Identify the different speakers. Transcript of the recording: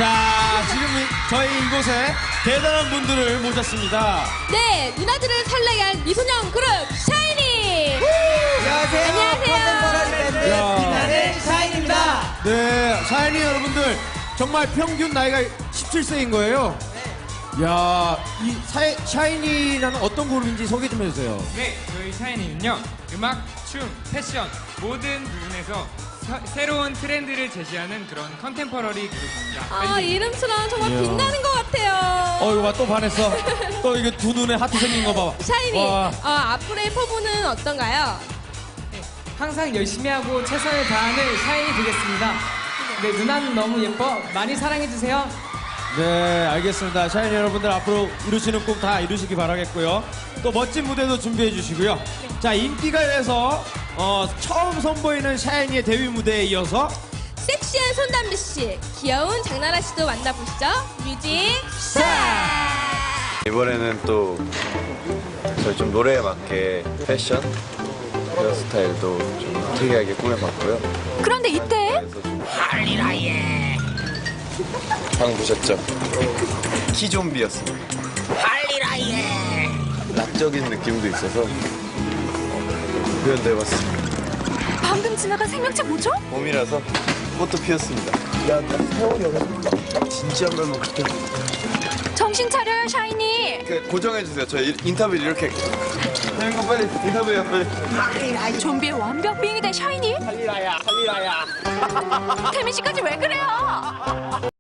Speaker 1: 자, 지금 저희 이곳에 대단한 분들을 모셨습니다.
Speaker 2: 네, 누나들을 설레게 할 미소년 그룹 샤이니.
Speaker 3: 안녕하세요.
Speaker 2: 안녕하세요.
Speaker 3: 컨템포러리 밴드
Speaker 1: 야.
Speaker 3: 빛나는 샤인입니다.
Speaker 1: 네, 샤이니 여러분들 정말 평균 나이가 17세인 거예요. 야, 이 샤이니라는 어떤 그룹인지 소개 좀 해주세요.
Speaker 4: 네, 저희 샤이니는요, 음악, 춤, 패션 모든 부분에서 새로운 트렌드를 제시하는 그런 컨템퍼러리 그룹입니다.
Speaker 2: 아, 이름처럼 정말
Speaker 1: 이야.
Speaker 2: 빛나는 것 같아요.
Speaker 1: 이거 봐, 또 반했어. 또 이게 두 눈에 하트 생긴 거 봐봐.
Speaker 2: 샤이니,
Speaker 1: 와.
Speaker 2: 앞으로의 포부는 어떤가요?
Speaker 3: 항상 열심히 하고 최선을 다하는 샤인이 되겠습니다. 네, 누나는 너무 예뻐. 많이 사랑해주세요.
Speaker 1: 네, 알겠습니다. 샤이니 여러분들 앞으로 이루시는 꿈 다 이루시기 바라겠고요. 또 멋진 무대도 준비해 주시고요. 자, 인기가요에서 처음 선보이는 샤이니의 데뷔 무대에 이어서
Speaker 2: 섹시한 손담비 씨, 귀여운 장나라 씨도 만나보시죠. 뮤직 스타트!
Speaker 5: 이번에는 또 저희 좀 노래에 맞게 패션, 헤어스타일도 좀 특이하게 꾸며봤고요.
Speaker 6: 그런데 이때
Speaker 5: 그래서 좀 방금 보셨죠? 키좀비였습니다. 락적인 느낌도 있어서 표현해봤습니다.
Speaker 6: 방금 지나간 생명체 뭐죠?
Speaker 5: 봄이라서 꽃도 피었습니다. 야, 나 세월이 없어. 진지한 걸로 그렇게
Speaker 6: 정신 차려요, 샤이니.
Speaker 5: 고정해주세요. 저 인터뷰를 이렇게 하는 거 빨리 인터뷰해요, 빨리.
Speaker 6: 좀비의 완벽 빙이 된 샤이니. 할리라야. 태민 씨까지 왜 그래요?